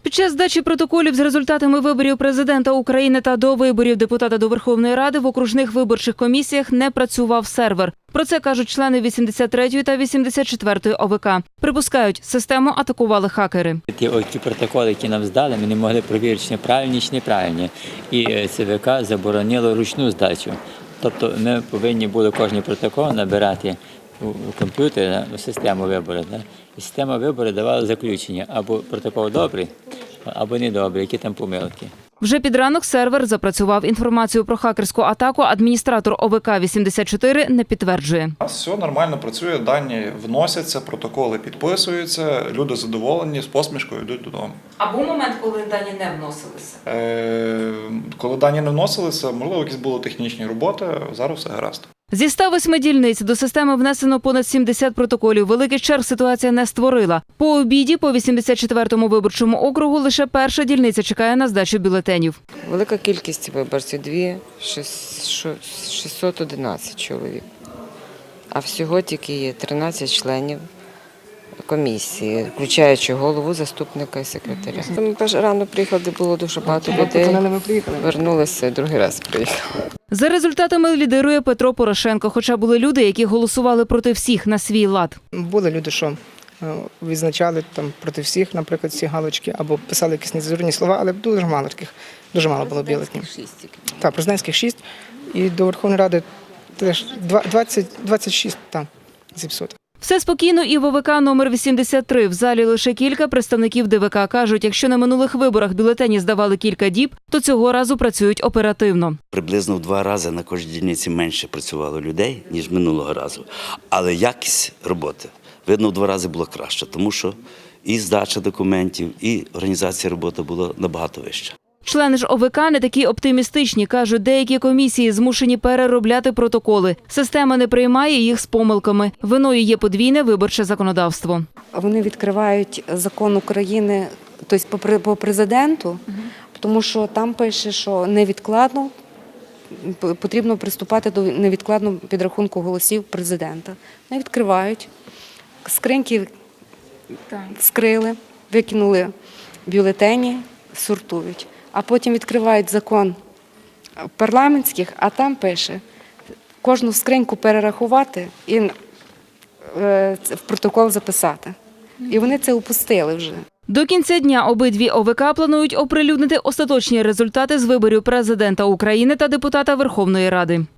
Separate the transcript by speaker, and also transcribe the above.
Speaker 1: Під час здачі протоколів з результатами виборів президента України та до виборів депутата до Верховної Ради в окружних виборчих комісіях не працював сервер. Про це кажуть члени 83-ї та 84-ї ОВК. Припускають, систему атакували хакери.
Speaker 2: Ті протоколи, які нам здали, ми не могли перевірити, чи правильні, чи неправильні. І ЦВК заборонило ручну здачу. Тобто ми повинні були кожен протокол набирати у комп'ютері, у систему вибору. І система вибору давала заключення, або протокол добрий, або недобрий, які там помилки.
Speaker 1: Вже під ранок сервер запрацював. Інформацію про хакерську атаку адміністратор ОВК-84 не підтверджує.
Speaker 3: У нас все нормально працює, дані вносяться, протоколи підписуються, люди задоволені, з посмішкою йдуть додому.
Speaker 1: А був момент, коли дані не вносилися?
Speaker 3: Коли дані не вносилися, можливо, якісь були технічні роботи, зараз все гаразд.
Speaker 1: Зі 108 дільниць до системи внесено понад 70 протоколів. Великих черг ситуація не створила. По обіді по 84-му виборчому округу лише перша дільниця чекає на здачу бюлетенів.
Speaker 4: Велика кількість виборців – 611 чоловік. А всього тільки є 13 членів комісії, включаючи голову, заступника і секретаря. Ми рано приїхали, де було дуже багато людей. Вернулися, другий раз приїхали.
Speaker 1: За результатами лідирує Петро Порошенко, хоча були люди, які голосували проти всіх на свій лад.
Speaker 5: Були люди, що відзначали там проти всіх, наприклад, ці галочки, або писали якісь нецензурні слова, але дуже мало таких, дуже мало було бюлетенів. Так, президентських 6, і до Верховної Ради теж 26 там зіпсуто.
Speaker 1: Все спокійно і в ОВК номер 83. В залі лише кілька представників ДВК. Кажуть, якщо на минулих виборах бюлетені здавали кілька діб, то цього разу працюють оперативно.
Speaker 6: Приблизно в 2 рази на кожній дільниці менше працювало людей, ніж минулого разу. Але якість роботи, видно, в 2 рази було краще, тому що і здача документів, і організація роботи була набагато вища.
Speaker 1: Члени ж ОВК не такі оптимістичні. Кажуть, деякі комісії змушені переробляти протоколи. Система не приймає їх з помилками. Виною є подвійне виборче законодавство.
Speaker 7: Вони відкривають закон України, тобто по президенту, тому що там пише, що невідкладно потрібно приступати до невідкладного підрахунку голосів президента. Вони відкривають, скриньки вскрили, викинули бюлетені, сортують. А потім відкривають закон парламентських, а там пише, кожну скриньку перерахувати і в протокол записати. І вони це упустили вже.
Speaker 1: До кінця дня обидві ОВК планують оприлюднити остаточні результати з виборів президента України та депутата Верховної Ради.